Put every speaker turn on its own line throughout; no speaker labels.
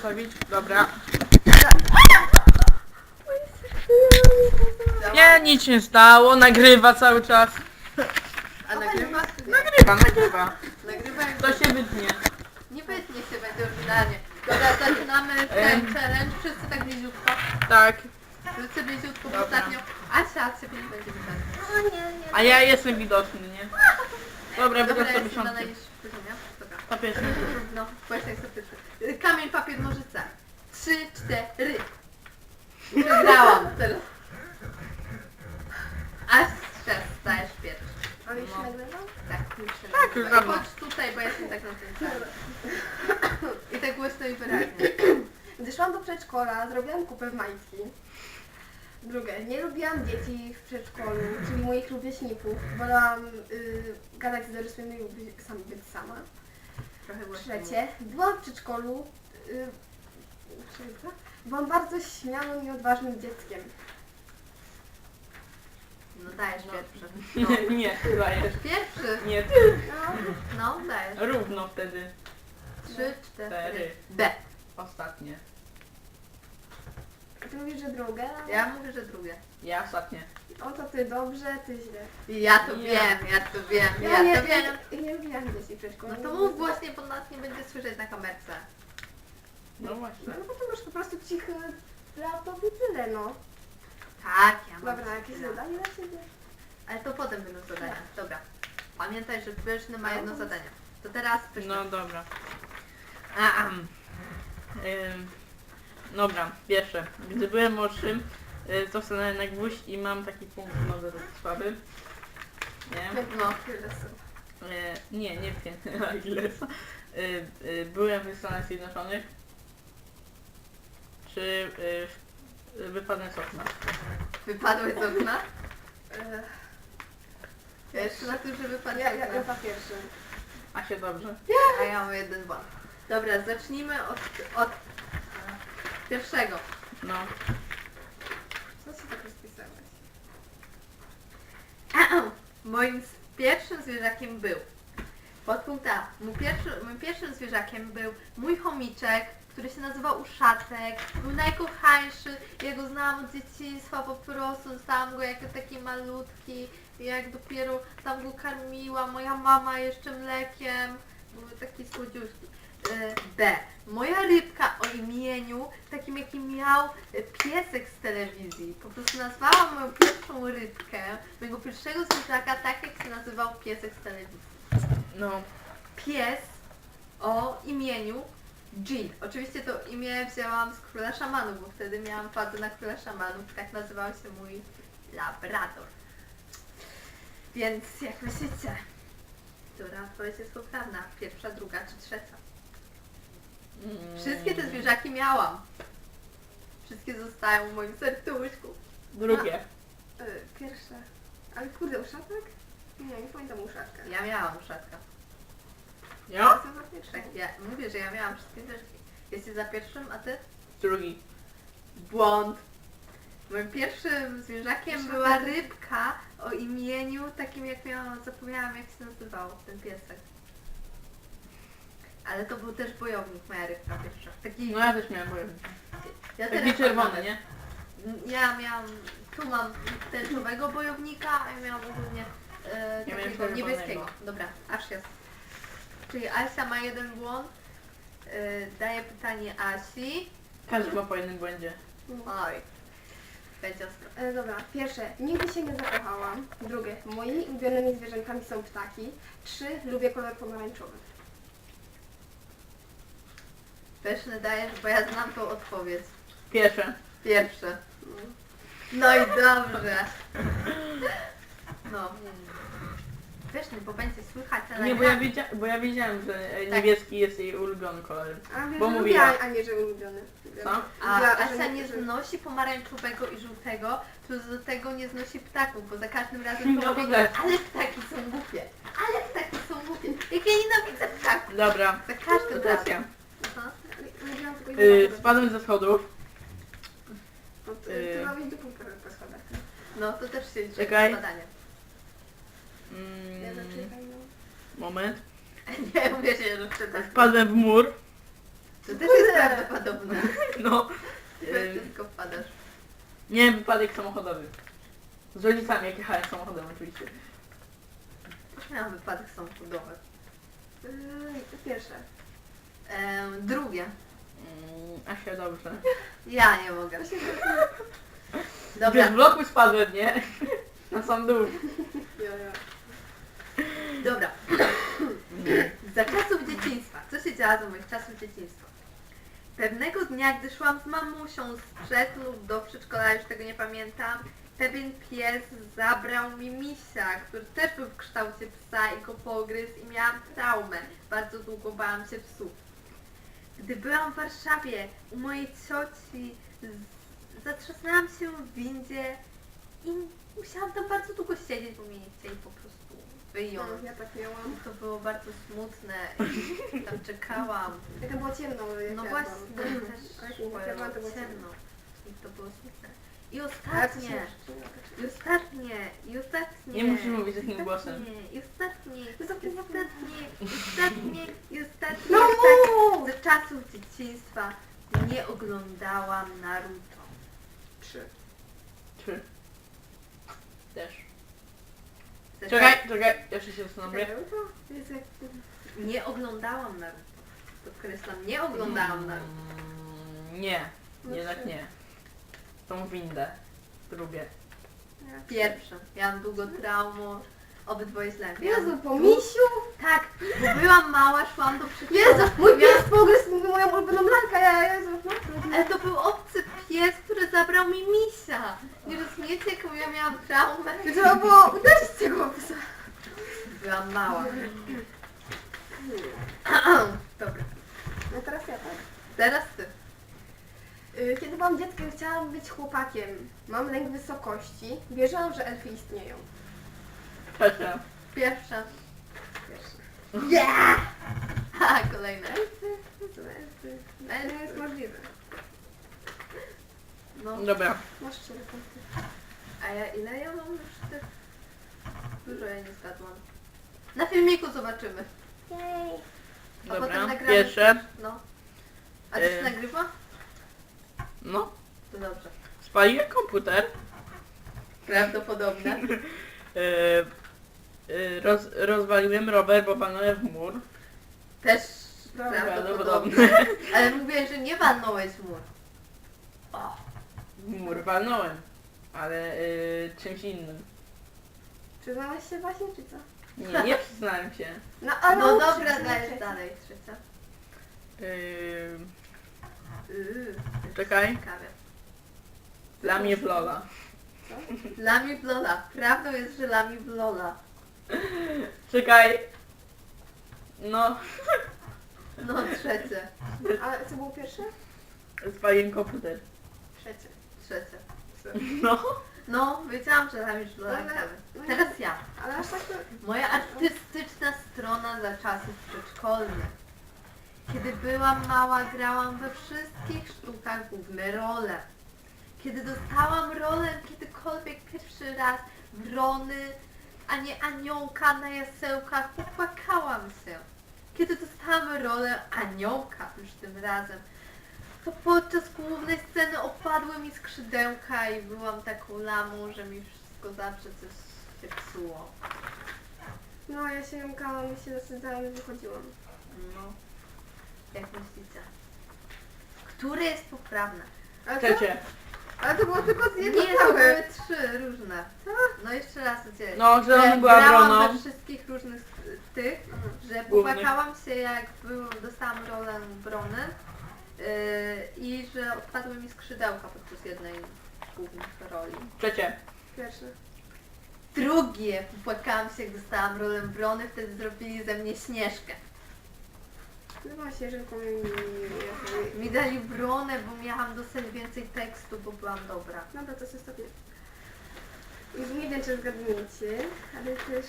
zostawić. Dobra. Nie, nic się nie stało, nagrywa cały czas.
A nagrywa?
Nagrywa.
Nagrywa jak
To się wytnie.
nie wytnie się, będzie oryginalnie. Dobra, zaczynamy ten challenge. Wszyscy tak bliziutko.
Tak.
Wszyscy bliziutko, bo
Dobra.
ostatnio Asia ciebie nie będzie widać.
A ja jestem widoczny, nie? Dobra,
Dobra,
będę sobie
jestem na
siąść.
najniższym poziomie. Dobra.
To pierwszy.
No, właśnie statyczny. Kamień, papier, nożyce. 3, 4. Wygrałam teraz. Asia, stajesz pierwszy.
A już
No.
nagrywam?
Tak, już się
Tak,
nagrywa.
już dawno.
Chodź tutaj, bo ja jestem tak na tym samym. I tak głośno i wyraźnie.
Gdy szłam do przedszkola, zrobiłam kupę w majtki. Drugie, nie lubiłam dzieci w przedszkolu, czyli moich rówieśników. Wolałam gadać z dorosłymi lub być sama.
Trochę głośno.
Trzecie, byłam w przedszkolu. Byłam bardzo śmiałym i odważnym dzieckiem.
No dajesz pierwszy.
Nie, nie, ty dajesz.
Pierwszy.
Nie, ty.
No, dajesz.
Równo wtedy.
3, 4.
Cztery.
B.
Ostatnie.
Ty mówisz, że drugie?
Ja mówię, że drugie.
Ja ostatnie.
O to ty dobrze, ty źle.
Ja to
Nie.
wiem, ja to wiem,
Ja
ja
nie,
to wiem.
nie lubiłam dzieci w przedszkolu.
No to mów głośniej, bo nas nie będzie słyszeć na kamerce.
No właśnie.
No bo to masz po prostu cichy laptop i tyle, no.
Tak, ja mam.
Dobra, jakieś
chwilę.
zadanie dla ciebie?
Ale to potem będą zadania. Dobra. Pamiętaj, że pyszny ma jedno zadanie. To teraz pyszny.
No dobra. Ahem. Dobra, pierwsze. Gdy byłem młodszym, to stanąłem na gwóźdź i mam taki punkt nowy słaby. Nie?
No.
Nie wiem, ile. Byłem w Stanach Zjednoczonych. Czy wypadłem z okna?
Wypadłeś z okna?
E,
Ja jeszcze na tym, że wypadłeś
Ja,
z
ja,
okna.
ja za pierwszym.
A się dobrze.
A ja mam jeden błąd. Dobra, zacznijmy od pierwszego.
No.
Co się tak rozpisałeś?
Moim pierwszym zwierzakiem był. Podpunkt A. Moim pierwszym zwierzakiem był mój chomiczek, który się nazywał Uszatek. Był najkochańszy. Ja go znałam od dzieciństwa po prostu. Dostałam go jako taki malutki. Jak dopiero tam go karmiła moja mama jeszcze mlekiem. Były takie słodziuszki. B. Moja rybka o imieniu, takim jaki miał piesek z telewizji. Po prostu nazwałam moją pierwszą rybkę, mojego pierwszego zwierzaka, tak jak się nazywał piesek z telewizji.
No.
Pies o imieniu Jean. Oczywiście to imię wzięłam z Króla Szamanów, bo wtedy miałam fazę na Króla Szamanów. Tak nazywał się mój labrador. Więc jak myślicie, która odpowiedź jest poprawna? Pierwsza, druga czy trzecia? Wszystkie te zwierzaki miałam. Wszystkie zostają w moim serduszku.
Drugie.
Pierwsze. Ale kurde, uszatek? Nie pamiętam uszatka.
Ja miałam uszatka.
Ja?
Jestem za pierwszą.
Tak, ja mówię, że ja miałam wszystkie zwierzaki. Jesteś za pierwszym, a ty?
Drugi.
Błąd. Moim pierwszym zwierzakiem była rybka o imieniu takim jak miałam, zapomniałam jak się nazywał ten piesek. Ale to był też bojownik, moja rybka pierwsza. Taki,
No ja też miałem bojownik.
ja
Taki
teraz
czerwony,
mam.
nie?
Ja miałam, tu mam tęczowego bojownika, a ja miałam ogólnie
Ja miałem
takiego
czerwonego.
niebieskiego. Dobra, aż jest. Czyli Asia ma jeden błąd. Daję pytanie Asi.
Każdy ma po jednym błędzie.
Oj, będzie ostro.
Dobra, pierwsze, nigdy się nie zakochałam. Drugie, moimi ulubionymi zwierzętami są ptaki. 3, lubię kolor pomarańczowy.
Pyszny dajesz, bo ja znam tą odpowiedź.
Pierwsze.
Pierwsze. No i dobrze. No. Pyszny, bo będzie słychać na
Nie,
nagraniu.
bo ja wiedziałem, że
Tak.
niebieski jest jej ulubiony kolor.
A wiesz,
Bo
że
mówiła.
lubię, a nie, że ulubiony.
Co?
A
Mówiła,
Asia
że
nie
że-
znosi pomarańczowego i żółtego, plus do tego nie znosi ptaków, bo za każdym razem
No
mówi,
tak.
ale ptaki są głupie, ale ptaki są głupie. Jak ja nienawidzę ptaków.
Dobra.
Za każdym
To teraz
razem.
ja.
Aha.
Mówiłam tylko jedno.
Spadłem ze schodów.
Ty robisz do półka po schodach.
No to też się liczy
Czekaj.
badanie.
Ja zaczekaj, no.
Moment.
Nie umiem się rozczytać.
Wpadłem w mur.
To też jest prawdopodobne.
No.
We wszystko wpadasz.
Nie, wypadek samochodowy. Z rodzicami, jak jechałem samochodem oczywiście.
Też miałam wypadek samochodowy.
Pierwsze.
Drugie.
Asia, dobrze.
Ja nie mogę.
Dobra.
Dobra,
Z bloku spadłem, nie? Na sam dół.
Ja.
dobra. Za czasów dzieciństwa. Co się działo za moich czasów dzieciństwa? Pewnego dnia, gdy szłam z mamusią z trzech lub do przedszkola, już tego nie pamiętam, pewien pies zabrał mi misia, który też był w kształcie psa i go pogryzł i miałam traumę. Bardzo długo bałam się psów. Gdy byłam w Warszawie u mojej cioci, zatrzasnęłam się w windzie i musiałam tam bardzo długo siedzieć, bo mnie nie chcieli po prostu wyjąć.
Ja tak miałam.
To było bardzo smutne i tam czekałam.
Jak było ciemno. jak
No
ja
właśnie,
byłam.
też
Ale jak ja byłam, to było
ciemno. I to było smutne. I
Ale to
ostatnie,
się
i ostatnie.
Nie musisz mówić takim głosem.
I ostatnie,
No mów!
Ze czasów dzieciństwa nie oglądałam Naruto.
3.
3. Też.
Ze
Czekaj, jeszcze się zastanowię.
Jest jak...
Nie oglądałam Naruto. Podkreślam, nie oglądałam Naruto.
Nie, jednak nie. Tą windę. Drugie.
Pierwsze. Ja mam długo traumę. Obydwoje źle.
Jezu, po misiu!
Tak, bo byłam mała, szłam do przedszkola.
Jezu, mój pies pogryzł moją ulubioną lalkę, Jezu, no.
Ale to był obcy pies, który zabrał mi misia. Nie rozumiecie, jaką ja miałam traumę?
Trzeba było uderzyć tego psa.
Byłam mała. Dobra,
No teraz ja tak.
teraz ty.
Kiedy byłam dzieckiem, chciałam być chłopakiem. Mam lęk wysokości. Wierzyłam, że elfy istnieją.
Trzecia.
Pierwsza.
Pierwsze.
Yeah! Ha, kolejne.
Co elfy? Elfy jest możliwe.
No,
Dobra.
Masz 4 punkty.
a ja ile ja mam już tych? Dużo ja nie zgadłam. Na filmiku zobaczymy.
Jej.
A
Dobra.
potem nagramy.
Pierwsze.
No. A ty się nagrywa?
No.
To dobrze.
Spaliłem komputer.
Prawdopodobne.
Rozwaliłem rower, bo walnąłem w mur.
Też
Prawdopodobne.
prawdopodobne. Ale mówię, że nie walnąłeś w mur. O.
W mur walnąłem. Ale czymś innym.
Przyznałeś się właśnie, czy co?
Nie przyznałem się.
No, ale
No dobra,
przyznałeś
dajesz
się.
dalej. Trzecia.
Czekaj.
Ciekawe.
Dla mnie w Lola.
Lami w Lola. Prawdą jest, że lami w Lola.
Czekaj. No.
No trzecie.
Ale co było pierwsze?
Spaliłem komputer.
Trzecie.
Trzecie.
No.
No, wiedziałam, że lami w Lola.
Ale-
ciekawe.
no
Teraz ja.
Ale aż tak to...
Moja artystyczna strona za czasów przedszkolnych. Kiedy byłam mała, grałam we wszystkich sztukach główne role. Kiedy dostałam rolę kiedykolwiek pierwszy raz wrony, a nie aniołka na jasełkach, popłakałam się. Kiedy dostałam rolę aniołka już tym razem, to podczas głównej sceny opadły mi skrzydełka i byłam taką lamą, że mi wszystko zawsze coś się psuło.
No, ja się jąkałam, się zasadzałam i wychodziłam.
No, jak myślicie? Które jest poprawne?
Ale,
Trzecie.
ale to było tylko z jedną
Nie, to
całe.
były trzy różne. No jeszcze raz gdzie?
No, że była
grałam
broną.
we wszystkich różnych tych, że
Głównych.
popłakałam się jak dostałam rolę brony i że odpadły mi skrzydełka podczas jednej z głównych roli.
Trzecie.
Pierwsze.
Drugie, popłakałam się jak dostałam rolę brony, wtedy zrobili ze mnie Śnieżkę.
No właśnie, że
Mi dali bronę, bo miałam dostać więcej tekstu, bo byłam dobra.
Dobra, to jest ostatnie. Już nie wiem, czy zgadniecie, ale też...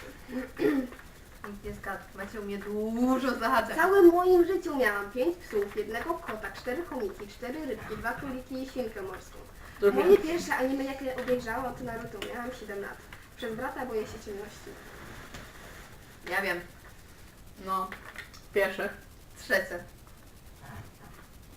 Nikt nie zgadł. Macie u mnie dużo
W
zahaczeń.
całym moim życiu miałam 5 psów, 1 kota, 4 chomiki, 4 rybki, 2 króliki i świnkę morską.
Drugie.
Moje pierwsze anime, jakie obejrzałam, to Naruto. Miałam 7 lat. Przez brata boję się ciemności.
Ja wiem.
No. Pierwsze.
Trzecie.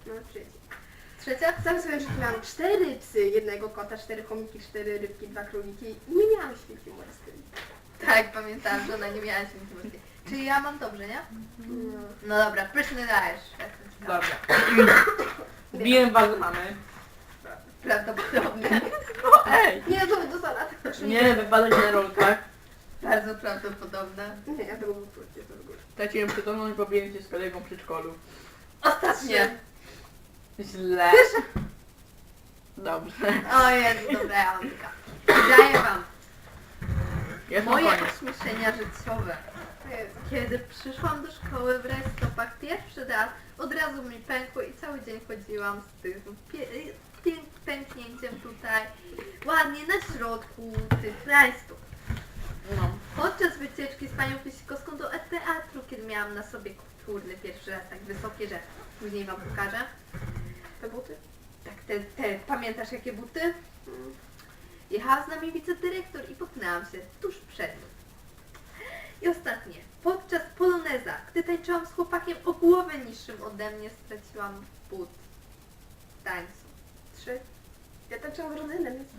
No, trzeci.
Trzecia?
Sam sobie, że miałam 4 psy, jednego kota, 4 chomiki, 4 rybki, 2 króliki i nie miałam świnki morskiej.
Tak, pamiętam, że ona nie miała świnki morskiej. Czyli ja mam dobrze, nie?
No.
No dobra, pyszny dajesz.
Dobra. Biłem was mamy.
Prawdopodobnie.
No ej!
Nie, do salat.
Nie, wypadek na rolkach.
Bardzo prawdopodobne.
Nie, ja tego był nie to w ogóle.
Straciłem przytomność, bo biłem się z kolegą w przedszkolu.
Ostatnie.
Źle. Dobrze.
O Jezu, dobra, ja mam tylko. Daję wam
Jest na
moje
koniec.
ośmieszenia życiowe.
Jezu.
Kiedy przyszłam do szkoły w rajstopach pierwszy raz, od razu mi pękło i cały dzień chodziłam z tym pęknięciem tutaj, ładnie na środku tych rajstop.
No.
Podczas wycieczki z panią Pysikowską do teatru, kiedy miałam na sobie kulturny pierwszy raz tak wysokie, że później wam pokażę.
Te buty?
Tak, te pamiętasz jakie buty?
Mm.
Jechała z nami wicedyrektor i potknęłam się tuż przed nim. I ostatnie, podczas poloneza, gdy tańczyłam z chłopakiem o głowę niższym ode mnie, straciłam but w tańcu.
3. Ja tańczyłam z rodzynem, więc...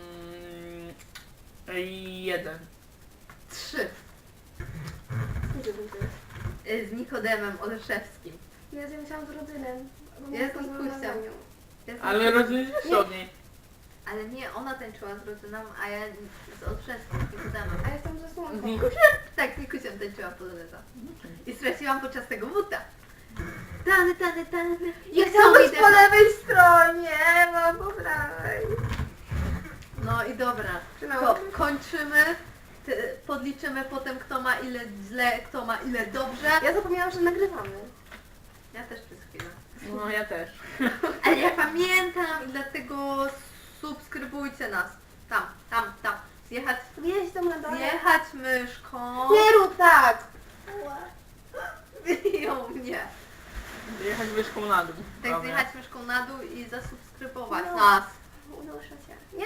Jeden.
3.
Gdzie był ty?
Z Nikodemem Oleszewskim.
Ja musiałam z rodzynem. bo
Ja z
byłam
Nikusią.
na zadaniu.
Ja z
Ale rozumiem od niej.
Ale nie, ona tańczyła z rodziną, a ja z Olszewskim, z Nikodemem.
A ja jestem ze słonką.
Tak, z Nikusiem tańczyłam poloneza. I straciłam podczas tego buta. Tany, tany, tany.
Ja
Jak
chciałam
są
być
idę-
po lewej stronie, mam po prawej.
No i dobra,
Trzymało.
to kończymy. Podliczymy potem kto ma ile źle, kto ma ile dobrze.
Ja zapomniałam, że nagrywamy.
Ja też przez chwilę.
No ja też.
Ale ja pamiętam i dlatego subskrybujcie nas. Tam. Zjechać
Jeźdź tam na dole.
myszką.
Nie rób tak!
Ją mnie.
Jechać wyszką na dół.
Tak,
Dobra.
zjechać myszką na dół i zasubskrybować
No.
nas.
Unoszę się. Nie,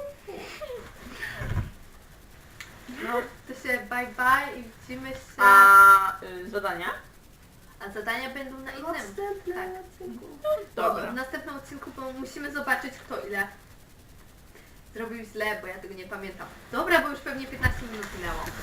No, to się bye i widzimy się.
A zadania?
A zadania będą na
w
innym.
następnym
Tak.
odcinku.
Dobra.
W następnym odcinku bo musimy zobaczyć kto ile zrobił źle, bo ja tego nie pamiętam. Dobra, bo już pewnie 15 minut minęło.